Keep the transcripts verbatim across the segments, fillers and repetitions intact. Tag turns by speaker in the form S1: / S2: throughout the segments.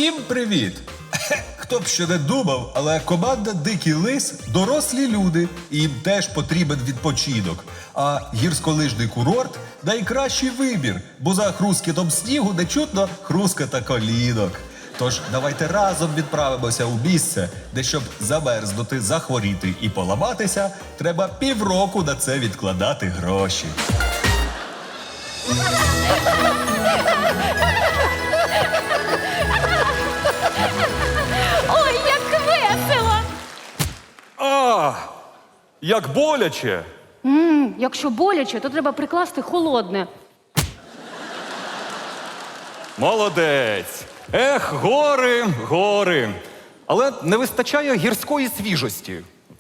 S1: Всім привіт! Хто б що не думав, але команда Дикий Лис – дорослі люди, і їм теж потрібен відпочинок. А гірськолижний курорт – найкращий вибір, бо за хрускітом снігу не чутно хруската колінок. Тож давайте разом відправимося у місце, де щоб замерзнути, захворіти і поламатися, треба півроку на це відкладати гроші.
S2: Ой, як весело!
S3: А, як боляче.
S2: М, якщо боляче, то треба прикласти холодне.
S3: Молодець. Ех, гори, гори. Але не вистачає гірської свіжості.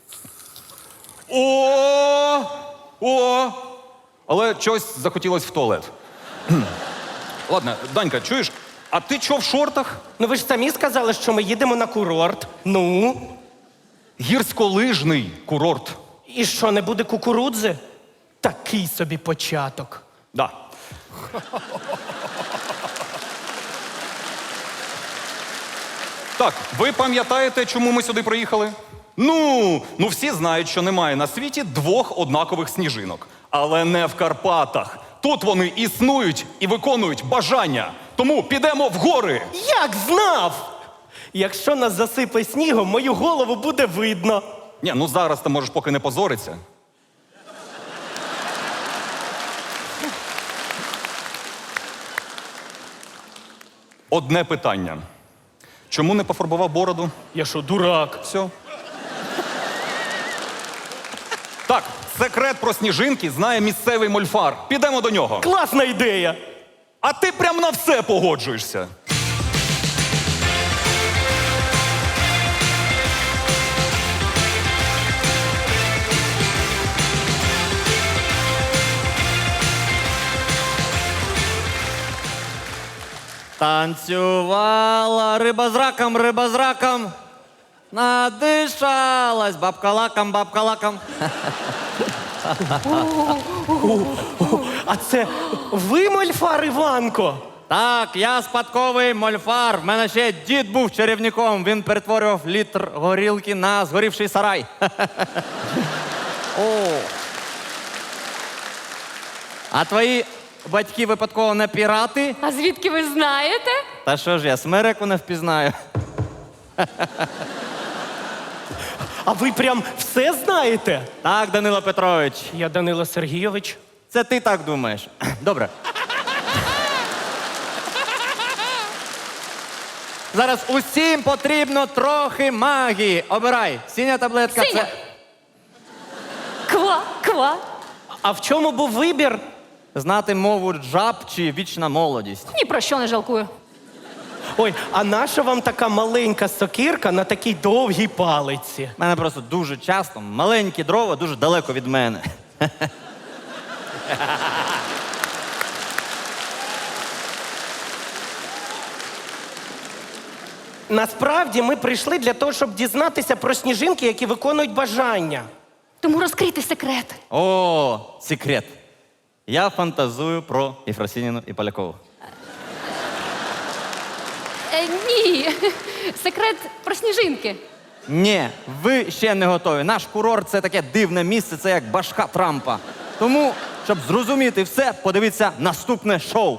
S3: О! О! Але чогось захотілося в туалет. Кхм. Ладно, Данька, чуєш? А ти чо в шортах?
S4: Ну ви ж самі сказали, що ми їдемо на курорт. Ну?
S3: Гірськолижний курорт.
S4: І що, не буде кукурудзи? Такий собі початок.
S3: Да. Так, ви пам'ятаєте, чому ми сюди приїхали? Ну, ну всі знають, що немає на світі двох однакових сніжинок. Але не в Карпатах. Тут вони існують і виконують бажання. Тому підемо в гори.
S4: Як знав! Якщо нас засипе снігом, мою голову буде видно.
S3: Ні, ну зараз ти можеш поки не позоритися. Одне питання. Чому не пофарбував бороду?
S4: Я що, дурак?
S3: Все. Так, секрет про сніжинки знає місцевий мольфар. Підемо до нього.
S4: Класна ідея!
S3: А ти прям на все погоджуєшся.
S5: Танцювала риба з раком, риба з раком. Надишалась бабка лаком, бабка лаком.
S4: А це ви, мольфар Іванко?
S5: Так, я спадковий мольфар. В мене ще дід був чарівником. Він перетворював літр горілки на згорівший сарай. О. А твої батьки випадково не пірати?
S2: А звідки ви знаєте?
S5: Та що ж я, смереку не впізнаю.
S4: А ви прям все знаєте?
S5: Так, Данило Петрович,
S4: Я Данило Сергійович.
S5: це ти так думаєш. Добре. Зараз усім потрібно трохи магії. Обирай. Синя таблетка
S2: Синя.
S5: це.
S2: Ква, ква.
S4: А в чому був вибір?
S5: Знати мову жаб чи вічна молодість.
S2: Ні про що не жалкую.
S4: Ой, а наша вам така маленька сокирка на такій довгій палиці?
S5: У мене просто дуже часто маленькі дрова дуже далеко від мене.
S4: Насправді ми прийшли для того, щоб дізнатися про сніжинки, які виконують бажання.
S2: Тому розкрийте секрет.
S5: О, секрет. Я фантазую про Єфросініну і Полякову.
S2: Е, ні. Секрет про сніжинки.
S5: Ні, ви ще не готові. Наш курорт – це таке дивне місце, це як башка Трампа. Тому, щоб зрозуміти все, подивіться наступне шоу.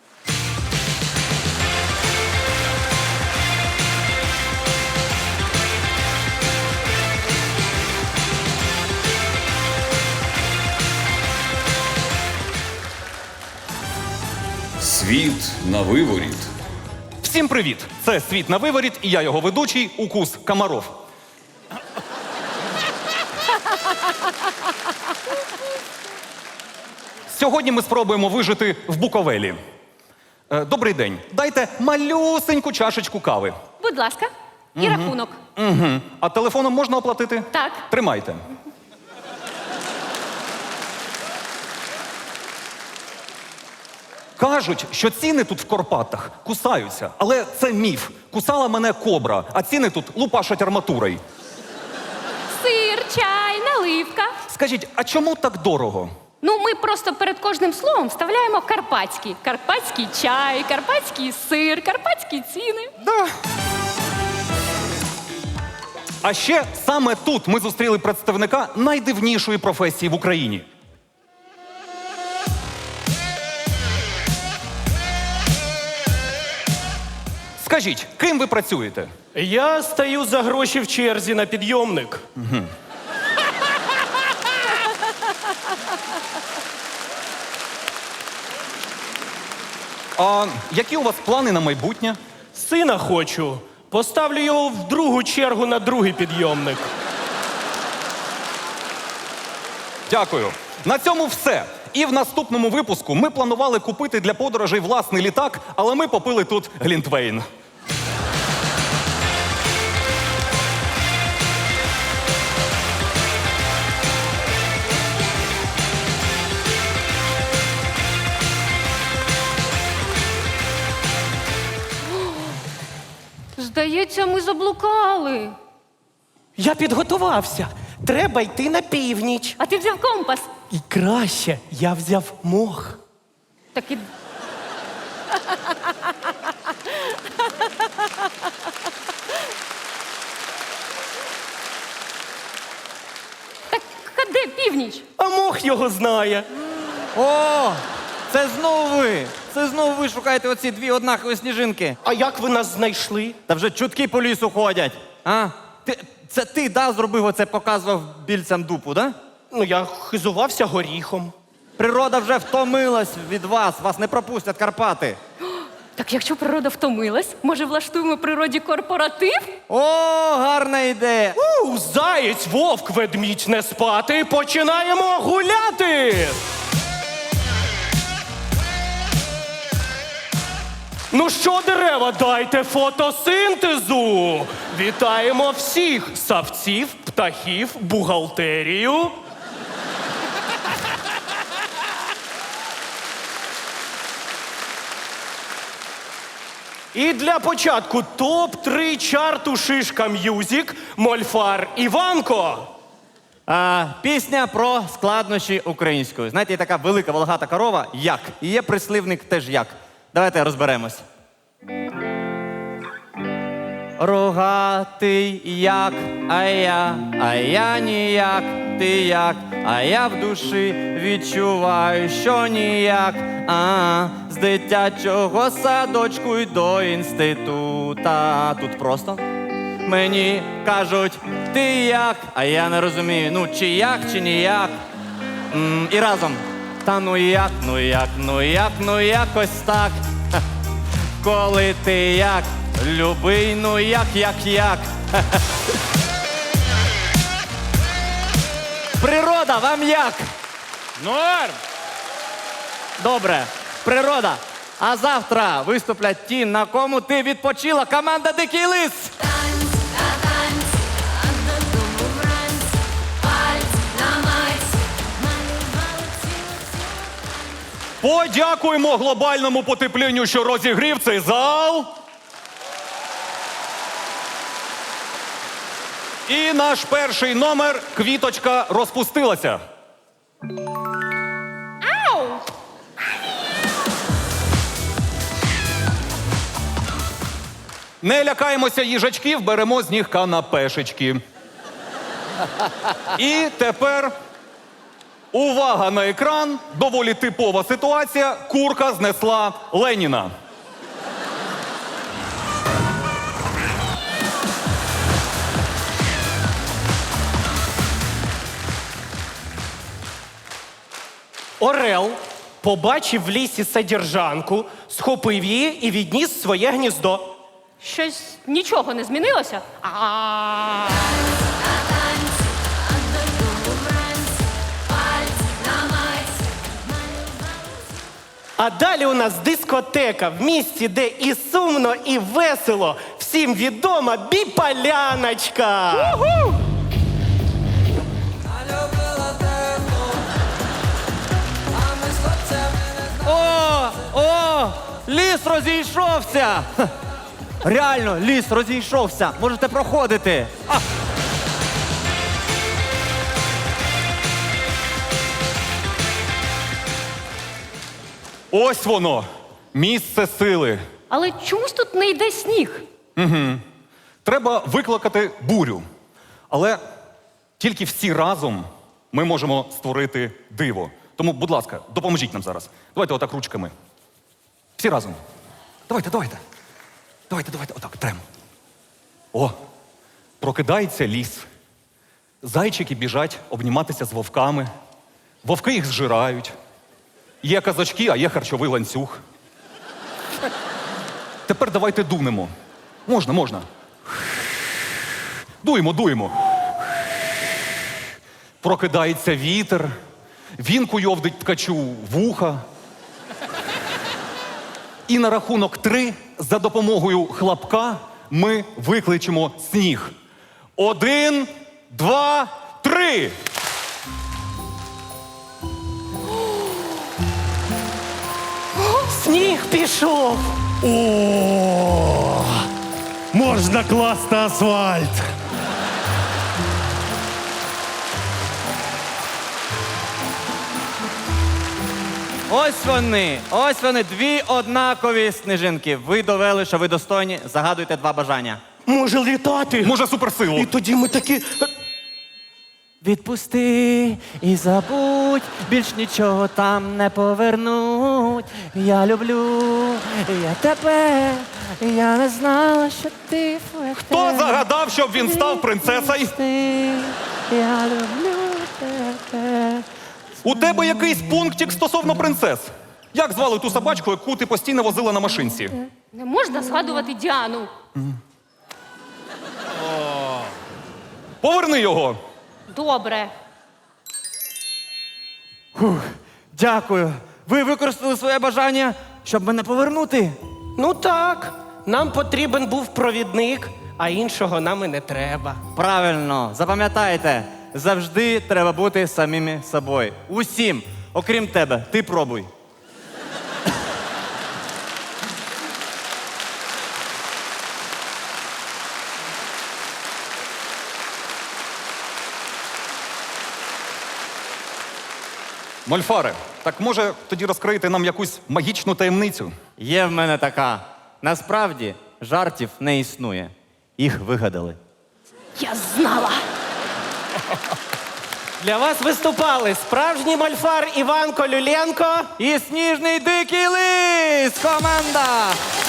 S1: Світ на виворіт.
S3: Всім привіт! Це «Світ на виворіт» і я його ведучий Укус Комаров. Сьогодні ми спробуємо вижити в Буковелі. Е, Добрий день. Дайте малюсеньку чашечку кави.
S2: Будь ласка. І рахунок.
S3: Угу. А телефоном можна оплатити?
S2: Так.
S3: Тримайте. Кажуть, що ціни тут в Карпатах кусаються, але це міф. Кусала мене кобра, а ціни тут лупашать арматурою.
S2: Сир, чай, наливка.
S3: Скажіть, а чому так дорого?
S2: Ну, ми просто перед кожним словом вставляємо карпатський. Карпатський чай, карпатський сир, карпатські ціни.
S3: Да. А ще саме тут ми зустріли представника найдивнішої професії в Україні. Скажіть, ким ви працюєте?
S4: Я стою за гроші в черзі на підйомник.
S3: А які у вас плани на майбутнє?
S4: Сина хочу. Поставлю його в другу чергу на другий підйомник.
S3: Дякую. На цьому все. І в наступному випуску ми планували купити для подорожей власний літак, але ми попили тут глінтвейн.
S2: Здається, ми заблукали.
S4: Я підготувався. Треба йти на північ.
S2: А ти взяв компас?
S4: І краще, я взяв мох.
S2: Так і... Так, а де північ?
S4: А мох його знає.
S5: О, це знову ви. Це знову ви шукаєте оці дві однакові сніжинки.
S4: А як ви нас знайшли?
S5: Та вже чутки по лісу ходять. А? Ти, це ти, да, зробив оце, показував більцям дупу, да?
S4: Ну, я хизувався горіхом.
S5: Природа вже втомилась від вас, вас не пропустять Карпати.
S2: Так якщо природа втомилась, може влаштуємо природі корпоратив?
S5: О, гарна ідея.
S4: У, заєць, вовк, ведмідь не спати, починаємо гуляти! Ну що, дерева, дайте фотосинтезу! Вітаємо всіх савців, птахів, бухгалтерію. І для початку топ три чарту Шишка М'юзік, Мольфар Іванко.
S5: А, пісня про складнощі української. Знаєте, є така велика волохата корова як. І є прислівник теж як. Давайте розберемось. Рогатий як, а я, а я ніяк, ти як, а я в душі відчуваю, що ніяк. А, з дитячого садочку й до інститута. Тут просто мені кажуть, ти як, а я не розумію, ну чи як, чи ніяк. М, і разом. Та ну як, ну як, ну як, ну якось так. Ха. Коли ти як, любий, ну як, як, як. Ха-ха. Природа, вам як?
S4: Норм!
S5: Добре, природа. А завтра виступлять ті, на кому ти відпочила. Команда Дикий Лис.
S6: Танць, та танць, а додому вранць, пальць на мать, малювали цілу.
S3: Подякуємо глобальному потеплінню, що розігрів цей зал. І наш перший номер «Квіточка розпустилася».
S2: Ау!
S3: Не лякаємося їжачків, беремо з них канапешечки. І тепер увага на екран. Доволі типова ситуація. Курка знесла Леніна.
S4: Орел побачив в лісі содержанку, схопив її і відніс в своє гніздо.
S2: Щось нічого не змінилося? А
S4: А далі у нас дискотека в місті, де і сумно, і весело. Всім відома Біполяночка. Уху!
S5: О, о, ліс розійшовся. Ха. Реально, ліс розійшовся. Можете проходити. А.
S3: Ось воно, місце сили.
S2: Але чомусь тут не йде сніг.
S3: Треба викликати бурю. Але тільки всі разом ми можемо створити диво. Тому, будь ласка, допоможіть нам зараз. Давайте отак ручками. Всі разом. Давайте, давайте. Давайте, давайте, отак, трем. О, прокидається ліс. Зайчики біжать обніматися з вовками. Вовки їх зжирають. Є казачки, а є харчовий ланцюг. Тепер давайте дунемо. Можна, можна. Дуємо, дуємо. Прокидається вітер. Він куйовдить ткачу вуха. І на рахунок три за допомогою хлопка ми викличемо сніг. Один, два, три!
S4: Сніг пішов.
S7: О, можна класти асфальт.
S5: Ось вони, ось вони, дві однакові сніжинки. Ви довели, що ви достойні. Загадуйте два бажання.
S4: Може літати.
S3: Може суперсилу.
S4: І тоді ми такі.
S5: Відпусти і забудь, більш нічого там не повернуть. Я люблю, я тебе, я не знала, що ти флете.
S3: Хто загадав, щоб він став принцесою?
S5: Відпусти, я люблю тебе.
S3: У тебе якийсь пунктик стосовно принцес. Як звали ту собачку, яку ти постійно возила на машинці?
S2: Не можна згадувати Діану.
S3: Поверни його.
S2: Добре.
S5: Дякую. Ви використали своє бажання, щоб мене повернути.
S4: Ну так, нам потрібен був провідник, а іншого нам і не треба.
S5: Правильно, запам'ятайте, завжди треба бути самими собою. Усім, окрім тебе, ти пробуй.
S3: Мольфаре, так може тоді розкриєте нам якусь магічну таємницю?
S5: Є в мене така. Насправді жартів не існує. Їх вигадали.
S2: Я знала.
S4: Для вас виступали справжній мольфар Іван Колюленко.
S5: І сніжний дикий лис! Команда!